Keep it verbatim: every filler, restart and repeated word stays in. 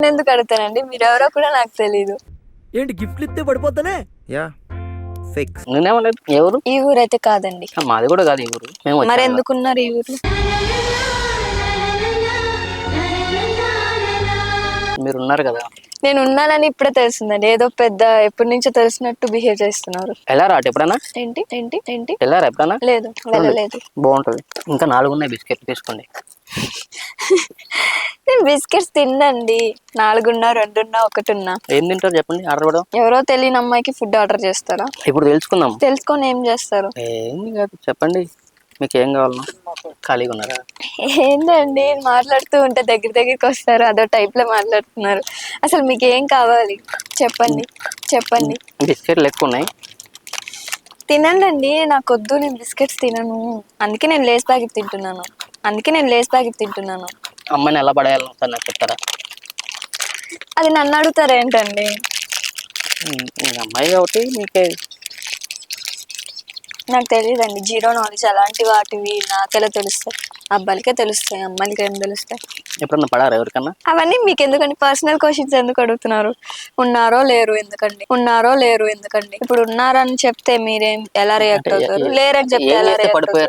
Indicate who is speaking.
Speaker 1: ఎందుకు అడుగుతానండి, మీరెవరో కూడా నాకు తెలీదు.
Speaker 2: ఏంటి గిఫ్ట్లు ఇస్తే పడిపోతానే?
Speaker 3: Yeah fix.
Speaker 4: నేనేమలేదు. ఏ ఊరు?
Speaker 1: ఈ ఊరైతే కాదండి.
Speaker 4: మాది కూడా కాదు ఈ ఊరు. మేము
Speaker 1: మరి
Speaker 4: వచ్చాము కదా.
Speaker 1: ఎందుకున్నారు ఈ ఊర్లో?
Speaker 4: మీరు ఉన్నారు కదా.
Speaker 1: నేను ఉన్నానని ఇప్పుడే తెలిసిందండి. ఏదో పెద్ద ఎప్పటి నుంచో తెలిసినట్టు బిహేవ్ చేస్తున్నారు.
Speaker 4: వెళ్ళారా అటు ఎప్పుడైనా?
Speaker 1: ఏంటి ఏంటి ఏంటి
Speaker 4: వెళ్ళారా ఎప్పుడైనా?
Speaker 1: లేదు, వెళ్ళలేదు.
Speaker 4: బాగుంటది. ఇంకా నాలుగు ఉన్నాయి బిస్కెట్ తీసుకోండి.
Speaker 1: నేను బిస్కెట్స్ తిన్నండి. నాలుగున్నా, రెండున్నా, ఒకటిన్నా.
Speaker 4: ఏం తింటారు చెప్పండి, ఆర్డర్ కూడా.
Speaker 1: ఎవరో తెలియని అమ్మాయికి ఫుడ్ ఆర్డర్ చేస్తారా?
Speaker 4: ఇప్పుడు తెలుసుకుందాం.
Speaker 1: తెలుసుకొని ఏం చేస్తారు?
Speaker 4: ఏం కాదు, చెప్పండి మీకు ఏం కావాలన్నా. ఖాళీగా ఉన్నారా?
Speaker 1: ఏందండి మాట్లాడుతూ ఉంటే దగ్గర దగ్గరికి వస్తారు, అదో టైప్ లో మాట్లాడుతున్నారు. అసలు మీకు ఏం కావాలి చెప్పండి చెప్పండి.
Speaker 4: బిస్కెట్లు ఎక్కువ ఉన్నాయి.
Speaker 1: తినండి, నాకు వద్దు, నేను బిస్కెట్స్ తినను. అందుకే నేను లేస్ ప్యాకెట్ తింటున్నాను అందుకే నేను లేస్ ప్యాకెట్ తింటున్నాను
Speaker 4: అమ్మాయిని ఎలా పడేయాలని సార్ నాకు చెప్తారా?
Speaker 1: అది నన్ను అడుగుతారు ఏంటండి?
Speaker 4: అమ్మాయి కాబట్టి మీకే.
Speaker 1: నాకు తెలియదండి, జీరో నాలెడ్జ్. అలాంటి వాటివి నాకెలా తెలుస్తాయి? అబ్బాయిలకే తెలుస్తాయి, అమ్మాయిలకి ఏం తెలుస్తాయి?
Speaker 4: ఎప్పుడన్నా పడారా ఎవరికన్నా?
Speaker 1: అవన్నీ మీకు ఎందుకండి? పర్సనల్ క్వశ్చన్స్ ఎందుకు అడుగుతున్నారు? ఉన్నారో లేరు ఎందుకండి? ఉన్నారో లేరు ఎందుకండి? ఇప్పుడు ఉన్నారని చెప్తే మీరేం ఎలా రియాక్ట్ అవుతారు? లేరని చెప్తే ఎలా రియాక్ట్ అవుతారు?